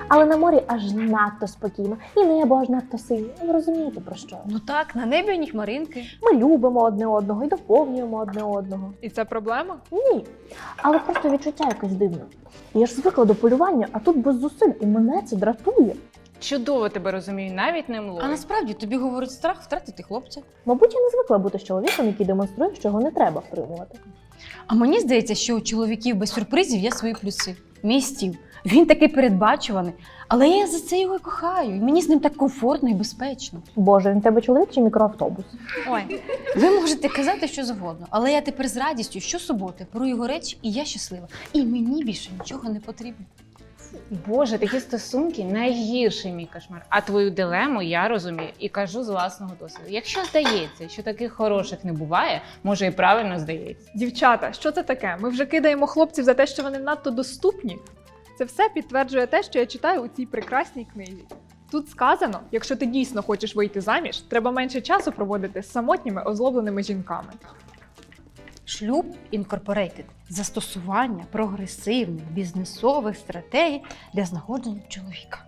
Але на морі аж надто спокійно, і небо аж надто синє. Ви розумієте, про що? Ну так, на небі одні хмаринки. Ми любимо одне одного і доповнюємо одне одного. І це проблема? Ні, але просто відчуття якесь дивне. Я ж звикла до полювання, а тут без зусиль, і мене це дратує. Чудово тебе розумію, навіть не млою. А насправді тобі говорить страх втратити хлопця. Мабуть, я не звикла бути з чоловіком, який демонструє, що його не треба втримувати. А мені здається, що у чоловіків без сюрпризів є свої плюси. Мій Стів, він такий передбачуваний, але я за це його і кохаю. І мені з ним так комфортно і безпечно. Боже, він в тебе чоловік чи мікроавтобус? Ой, ви можете казати що завгодно, але я тепер з радістю щосуботи беру його речі, і я щаслива. І мені більше нічого не потрібно. Боже, такі стосунки найгірший мій кошмар. А твою дилему я розумію і кажу з власного досвіду. Якщо здається, що таких хороших не буває, може і правильно здається. Дівчата, що це таке? Ми вже кидаємо хлопців за те, що вони надто доступні? Це все підтверджує те, що я читаю у цій прекрасній книзі. Тут сказано, якщо ти дійсно хочеш вийти заміж, треба менше часу проводити з самотніми озлобленими жінками. Шлюб Інкорпорейтед – застосування прогресивних бізнесових стратегій для знаходження чоловіка.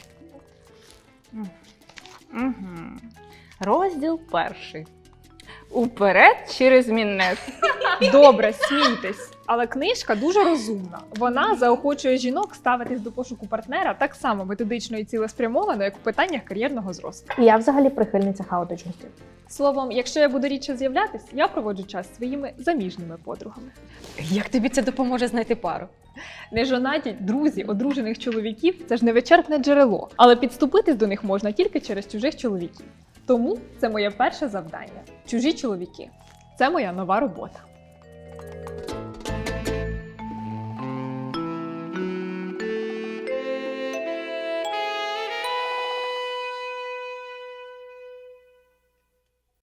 Угу. Розділ 1. Уперед через мінет. Добре, смійтесь. Але книжка дуже розумна. Вона заохочує жінок ставитись до пошуку партнера так само методично і цілеспрямовано, як у питаннях кар'єрного зросту. І я взагалі прихильниця хаотичності. Словом, якщо я буду рідше з'являтись, я проводжу час зі своїми заміжніми подругами. Як тобі це допоможе знайти пару? Нежонаті друзі одружених чоловіків – це ж невичерпне джерело, але підступитись до них можна тільки через чужих чоловіків. Тому це моє перше завдання – чужі чоловіки. Це моя нова робота.